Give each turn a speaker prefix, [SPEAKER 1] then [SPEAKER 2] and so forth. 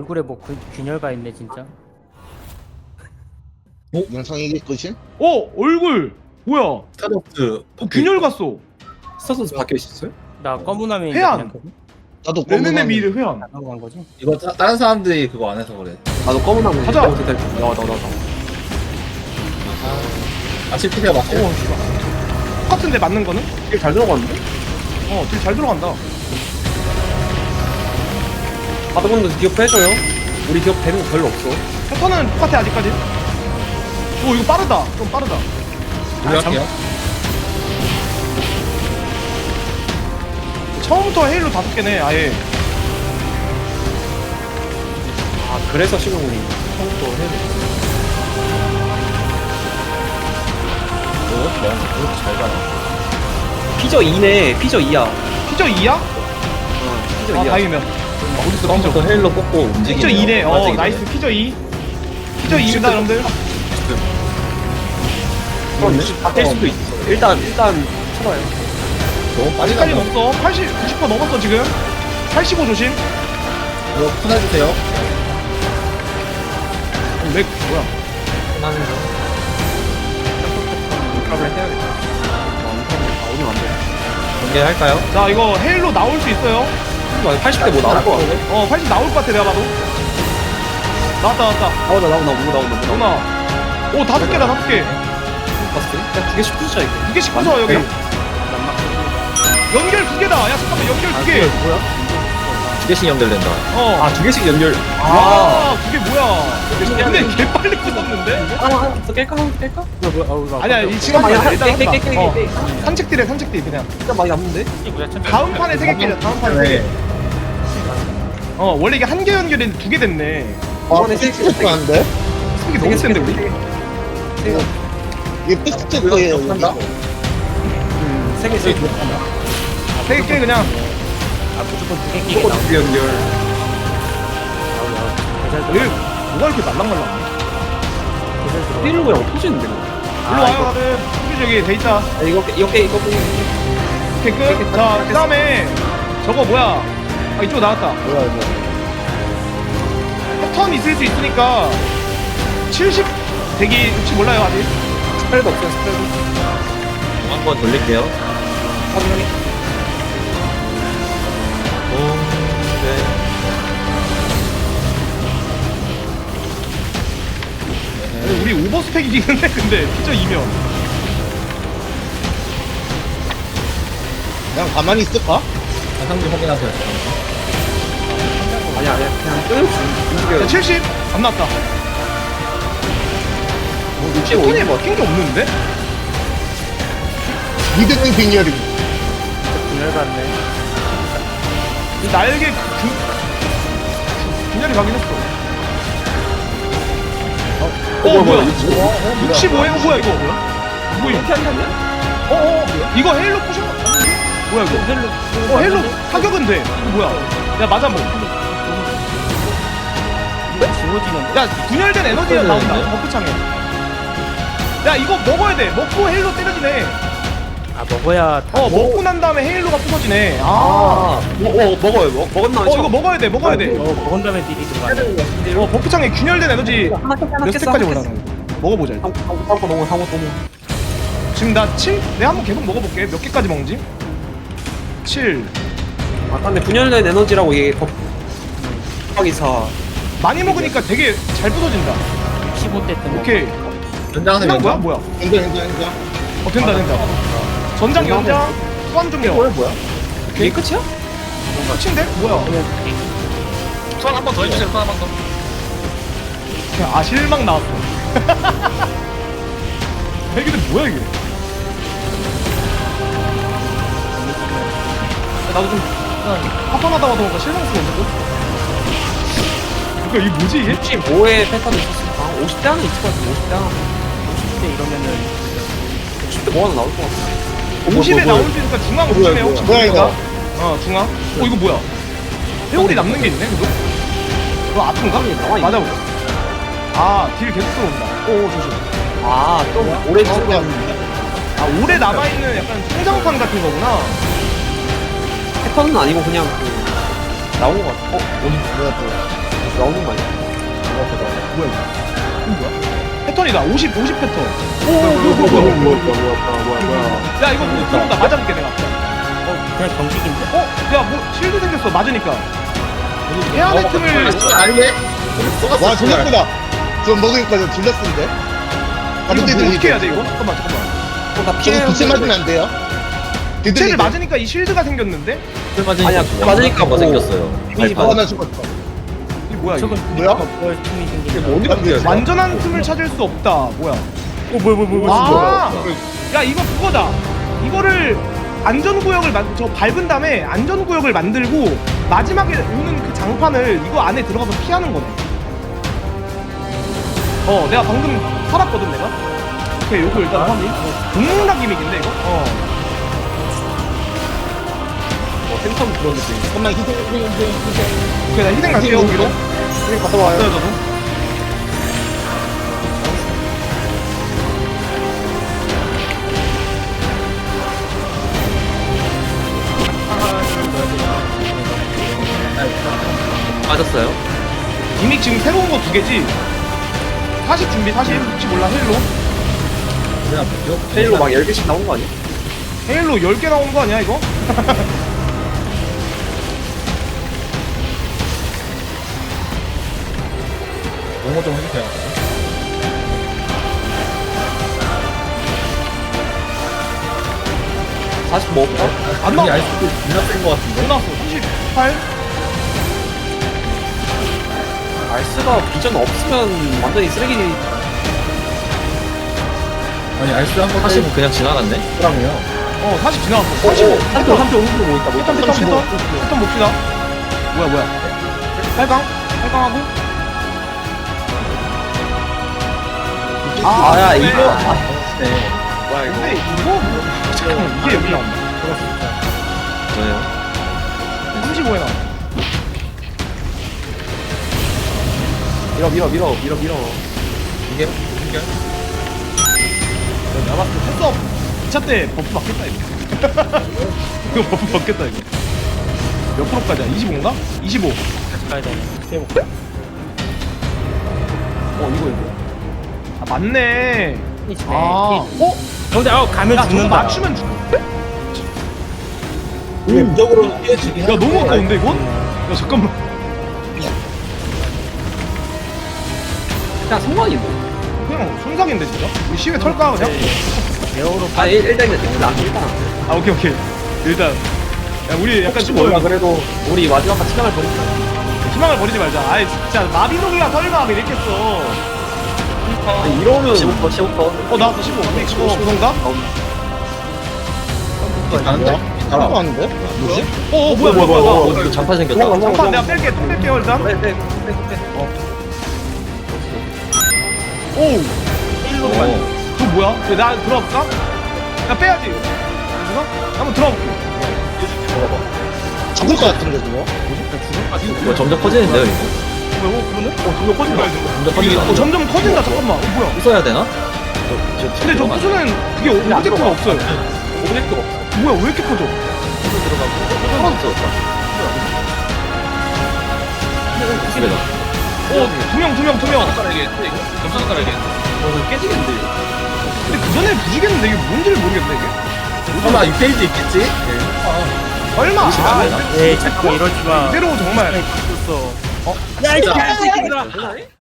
[SPEAKER 1] 얼굴에 뭐 균열가 있네 진짜.
[SPEAKER 2] 영상이게 끝임?
[SPEAKER 3] 얼굴 뭐야?
[SPEAKER 4] 스타벅스
[SPEAKER 3] 균열 갔어.
[SPEAKER 4] 스타벅스 바뀌어 있었어요?
[SPEAKER 1] 나 검은함이
[SPEAKER 3] 회한.
[SPEAKER 2] 나도
[SPEAKER 3] 레네네 미를 회한.
[SPEAKER 1] 안 넘어간 거지?
[SPEAKER 4] 이거 다른 사람들이 그거 안 해서 그래. 나도 검은 나무.
[SPEAKER 3] 가자.
[SPEAKER 4] 나와. 아 실패가 맞아.
[SPEAKER 3] 씨발. 똑같은데 맞는 거는?
[SPEAKER 4] 잘 들어갔는데?
[SPEAKER 3] 딜 잘 들어간다.
[SPEAKER 4] 바드분도 기업 해줘요. 우리 기업 되는 거 별로 없어.
[SPEAKER 3] 패턴은 똑같아 아직까지. 오 이거 빠르다. 좀 빠르다.
[SPEAKER 4] 우리 할게요.
[SPEAKER 3] 처음부터 헤일로 5개네 아예.
[SPEAKER 4] 아 그래서 시공이 처음부터 해야 돼. 잘 가나.
[SPEAKER 5] 피저 2네. 피저 2야.
[SPEAKER 3] 피저 2야?
[SPEAKER 5] 피저
[SPEAKER 3] 아
[SPEAKER 5] 2야.
[SPEAKER 3] 다행이네.
[SPEAKER 4] 어디서 처음부터 헬로 뽑고 움직이네.
[SPEAKER 3] 피저 2네. 나이스 피저 2. 피저 2입니다 여러분들.
[SPEAKER 5] 바뀔 수도 있어. 일단 쳐봐요.
[SPEAKER 4] 너무 빨리
[SPEAKER 3] 아직까지
[SPEAKER 4] 가면
[SPEAKER 3] 없어. 90% 넘었어 지금. 85 조심.
[SPEAKER 4] 이거 푼해주세요.
[SPEAKER 3] 렉 뭐야?
[SPEAKER 4] 푼하는 거.
[SPEAKER 5] 드랍을 해야겠다. 오늘 안 돼.
[SPEAKER 4] 공개할까요?
[SPEAKER 3] 자 이거 헤일로 나올 수 있어요.
[SPEAKER 5] 80대 뭐 나올 거 같아.
[SPEAKER 3] 80 나올 것 같아 내가 봐도. 나왔다. 누나. 오 5개다 5개.
[SPEAKER 5] 봤어? 그냥 두 개씩 부수자 이거.
[SPEAKER 3] 2개씩 부숴 여기. 연결 2개다. 야 잠깐만 연결 2개.
[SPEAKER 4] 두 개씩 연결된다.
[SPEAKER 5] 아, 두 개씩 연결.
[SPEAKER 3] 와 그게 뭐야? 근데 개 빨리 부쉈는데?
[SPEAKER 5] 하나 더 깰까? 하나 더 깰까?
[SPEAKER 3] 아니야 이 지금
[SPEAKER 5] 많이
[SPEAKER 3] 일단
[SPEAKER 5] 깨.
[SPEAKER 3] 산책딜해 산책딜 그냥.
[SPEAKER 5] 진짜 많이 남는데?
[SPEAKER 3] 다음 판에 3개 깨자. 다음 판에 3개. 원래 이게 1개 연결인데 2개 됐네.
[SPEAKER 5] 이번에 세 개.
[SPEAKER 2] 안돼?
[SPEAKER 3] 3개 너무 센데 우리?
[SPEAKER 2] 이게 팩트 거예요.
[SPEAKER 4] 한다?
[SPEAKER 5] 세 개.
[SPEAKER 3] 3개 깨 그냥.
[SPEAKER 1] 무조건 2개 끼게 나오고.
[SPEAKER 4] 두 개 연결.
[SPEAKER 3] 얘 뭐가 이렇게 말랑말랑?
[SPEAKER 5] 때리는 거랑 터지는데.
[SPEAKER 3] 일로 와요 다들. 저기 돼 있다.
[SPEAKER 5] 이거 깨.
[SPEAKER 3] 오케이 끝. 자 그다음에 저거 뭐야? 이쪽 나왔다.
[SPEAKER 2] 뭐야 이거?
[SPEAKER 3] 패턴 있을 수 있으니까 70 대기 혹시 몰라요 아직?
[SPEAKER 5] 스프레드 없어요, 스프레드.
[SPEAKER 4] 한번 돌릴게요.
[SPEAKER 5] 확인하게.
[SPEAKER 3] 우리 오버스펙이긴 한데 근데 피저 2면
[SPEAKER 2] 그냥 가만히 있을까?
[SPEAKER 4] 상주 확인하세요.
[SPEAKER 5] 아니야. 그냥 끊임없이 움직여요.
[SPEAKER 3] 70 안 나왔다.
[SPEAKER 5] 65.
[SPEAKER 3] 패턴에 막힌 게 없는데?
[SPEAKER 2] 미드는 빈혈이.
[SPEAKER 1] 균열 같네.
[SPEAKER 3] 이 날개 균열이 가긴 했어. 뭐야? 65에 뭐야 이거? 뭐야?
[SPEAKER 5] 이렇게 한다면?
[SPEAKER 3] 이거 헤일로 포션 아닌데? 뭐야 이거? 헬로 타격은 돼. 이거 뭐야? 야 맞아 뭐.
[SPEAKER 1] 지워지는데?
[SPEAKER 3] 야 분열된 에너지가 나온다. 버프창에. 야 이거 먹어야 돼. 먹고 헤일로 때려지네.
[SPEAKER 1] 먹어야 다.
[SPEAKER 3] 먹고 난 다음에 헤일로가 부서지네.
[SPEAKER 5] 먹어요. 먹었나?
[SPEAKER 3] 이거 먹어야 돼. 먹어야 돼.
[SPEAKER 1] 먹은 다음에 딜이 들어가네.
[SPEAKER 3] 버프창에 균열된 에너지
[SPEAKER 5] 하나
[SPEAKER 3] 몇 스택까지 올라가는 거. 먹어보자 일단.
[SPEAKER 5] 상거 너무 상거 너무.
[SPEAKER 3] 지금 나 7? 내가 한번 계속 먹어볼게. 몇 개까지 먹는지? 7
[SPEAKER 5] 아 근데 분열된 에너지라고 이게 곱하기 4.
[SPEAKER 3] 많이 먹으니까 되게 잘 부서진다.
[SPEAKER 1] 15대 때.
[SPEAKER 3] 오케이.
[SPEAKER 4] 연장하세요.
[SPEAKER 3] 끝난 거야? 뭐야?
[SPEAKER 2] 현장.
[SPEAKER 3] 된다. 전장 연장 수완 중력.
[SPEAKER 5] 뭐야? 이게 끝이야?
[SPEAKER 3] 끝인데? 뭐야?
[SPEAKER 4] 손 한 번 더 해주세요. 손 한 번 더.
[SPEAKER 3] 실망 나왔어. 이게 뭐야 이게? 나도 좀 화판하다가 보니까 실망스러운데? 이거 이 뭐지 이게?
[SPEAKER 5] 65의 패턴이 있었으니까 50대 하나 있을 것 같아. 50대 하나.
[SPEAKER 1] 10대 이러면은
[SPEAKER 5] 50대 뭐 하나 나올 것 같아.
[SPEAKER 3] 50에 나올 수 있으니까 중앙 조심해요. 혹시
[SPEAKER 2] 뭐야,
[SPEAKER 3] 모르니까.
[SPEAKER 2] 이거?
[SPEAKER 3] 중앙. 이거 뭐야? 회오리 남는 게 있네 그거? 그거 아픈가?
[SPEAKER 5] 나와 있네.
[SPEAKER 3] 맞아보자. 딜 계속 들어온다. 조심.
[SPEAKER 5] 좀 오래 지속된.
[SPEAKER 3] 오래 남아있는 약간 성장판 같은 거구나.
[SPEAKER 5] 패턴은 아니고 그냥 나온 것 같아.
[SPEAKER 2] 뭐야 또?
[SPEAKER 5] 나오는 거 아니야?
[SPEAKER 3] 뭐야 이거? 이거 뭐야? 패턴이다. 50 패턴. 오, 뭐야. 야 이거 뭐 들어온다. 맞아볼게 내가.
[SPEAKER 1] 그냥 경직인데?
[SPEAKER 3] 야 뭐 실드 생겼어. 맞으니까. 해안의 틈을.
[SPEAKER 2] 아니네? 와, 졸렸구나. 저 먹으니까 저 졸렸는데?
[SPEAKER 3] 이거 뭐 어떻게 해야 돼 이거? 잠깐만.
[SPEAKER 5] 나
[SPEAKER 2] 좀
[SPEAKER 5] 피해.
[SPEAKER 2] 부채 맞으면 안 돼요?
[SPEAKER 3] 쟤를 맞으니까 이 실드가 생겼는데?
[SPEAKER 5] 아니야, 맞으니까 뭐 생겼어요.
[SPEAKER 3] 이미지
[SPEAKER 2] 아, 나 죽었어.
[SPEAKER 3] 이게 뭐야 이거?
[SPEAKER 1] 저건
[SPEAKER 2] 뭐야?
[SPEAKER 1] 뭘 틈이 생긴
[SPEAKER 5] 이게
[SPEAKER 1] 거.
[SPEAKER 5] 뭐 어디가 뛰어야 돼?
[SPEAKER 3] 완전한 틈을 찾을 수 없다. 뭐야?
[SPEAKER 1] 뭐야.
[SPEAKER 3] 아, 야 이거 그거다. 이거를 안전구역을 저 밟은 다음에 안전구역을 만들고 마지막에 오는 그 장판을 이거 안에 들어가서 피하는 거네. 내가 방금 살았거든 내가. 오케이, 요거 일단 확인. 동문락 기믹인데 이거?
[SPEAKER 5] 팬텀 그런 느낌.
[SPEAKER 2] 잠깐만, 희생.
[SPEAKER 3] 오케이, 나 희생 갈게요 여기로.
[SPEAKER 5] 갔다 와요.
[SPEAKER 3] 왔어요 저도.
[SPEAKER 5] 맞았어요.
[SPEAKER 3] 기믹 지금 새로운 거 2개지? 40 준비 40? 혹시 몰라 헬로?
[SPEAKER 5] 페일로 막 10개씩 나온 거 아니야?
[SPEAKER 3] 헬로 10개 나오는 거 아니야 이거?
[SPEAKER 4] 용어 좀 해주세요.
[SPEAKER 5] 45 없다?
[SPEAKER 3] 안 나왔어.
[SPEAKER 4] 아이스도 존나 센거 같은데?
[SPEAKER 3] 안 나왔어. 38?
[SPEAKER 5] 알스가 비전 없으면 완전히 쓰레기.
[SPEAKER 4] 아니 아이스 한번
[SPEAKER 5] 40은 그냥 지나갔네?
[SPEAKER 4] 사람이요.
[SPEAKER 3] 40 지나왔어. 45.
[SPEAKER 5] 3점 오른쪽 뭐 있다. 뭐 있다.
[SPEAKER 3] 패턴 봅시다. 뭐야. 8강? 8강하고?
[SPEAKER 5] 야, 이거.
[SPEAKER 4] 네.
[SPEAKER 5] 뭐야,
[SPEAKER 3] 근데 이거 뭐? 잠깐만, 이게 여기 나온다.
[SPEAKER 5] 뭐예요?
[SPEAKER 3] 35에 나온다.
[SPEAKER 5] 밀어.
[SPEAKER 4] 이게
[SPEAKER 3] 내가 봤을 때 패스업 2차 때 버프 받겠다 이거. 이거 버프 받겠다 이거. 몇 프로까지야? 25인가? 25.
[SPEAKER 1] 같이 가야 되네.
[SPEAKER 3] 이거. 아 맞네.
[SPEAKER 1] 아. 근데 가면
[SPEAKER 3] 야 저거
[SPEAKER 1] 죽는다.
[SPEAKER 3] 맞추면 죽는데?
[SPEAKER 2] 무적으로 뛰어지긴
[SPEAKER 3] 야 너무 아까운데 이건? 야 잠깐만.
[SPEAKER 5] 그냥 성광인데.
[SPEAKER 3] 그냥 순삭인데 진짜? 우리 시계 털까 그냥?
[SPEAKER 1] 에어로
[SPEAKER 5] 일단 일단.
[SPEAKER 3] 아 오케이. 일단 야 우리 약간 좀
[SPEAKER 5] 몰라 그래도 우리 마지막까지 시간을 버리자.
[SPEAKER 3] 희망을 버리지 말자. 아이 진짜 마비노기가 설마 이랬겠어.
[SPEAKER 5] 이러면 15%.
[SPEAKER 3] 나왔어 15. 15인가?
[SPEAKER 2] 아는데? 하나도 아는데? 뭐지?
[SPEAKER 3] 뭐야.
[SPEAKER 5] 장판 생겼다.
[SPEAKER 3] 잠깐 내가 뺄게. 똥 뺄게요 일단.
[SPEAKER 5] 빼.
[SPEAKER 3] 오! 저 뭐야? 나 들어볼까? 야 빼야지. 그래서 한번 들어볼게.
[SPEAKER 2] 죽을 것 같은데, 저거?
[SPEAKER 5] 뭐 점점 커지는데요 이거?
[SPEAKER 3] 그러네? 점점 커진다.
[SPEAKER 5] 점점 커진다.
[SPEAKER 3] 점점 커진다. 잠깐만. 뭐야?
[SPEAKER 5] 부숴야 되나?
[SPEAKER 3] 근데 저 부수는 그게 오브젝트가 없어요.
[SPEAKER 5] 오브젝트가 없어.
[SPEAKER 3] 뭐야? 왜 이렇게 커져?
[SPEAKER 5] 하나도 없었다. 집에다.
[SPEAKER 3] 두 명.
[SPEAKER 5] 젓가락에 젓가락에. 이거 깨지겠는데 이거.
[SPEAKER 3] 근데 그 전에 부시겠는데 이게 뭔지를 모르겠네 이게.
[SPEAKER 4] 아마 6페이지 있겠지?
[SPEAKER 3] 얼마?
[SPEAKER 1] 에이 잠깐만 이러지 마.
[SPEAKER 3] 이대로 정말.
[SPEAKER 1] 야, 이 개새끼들아.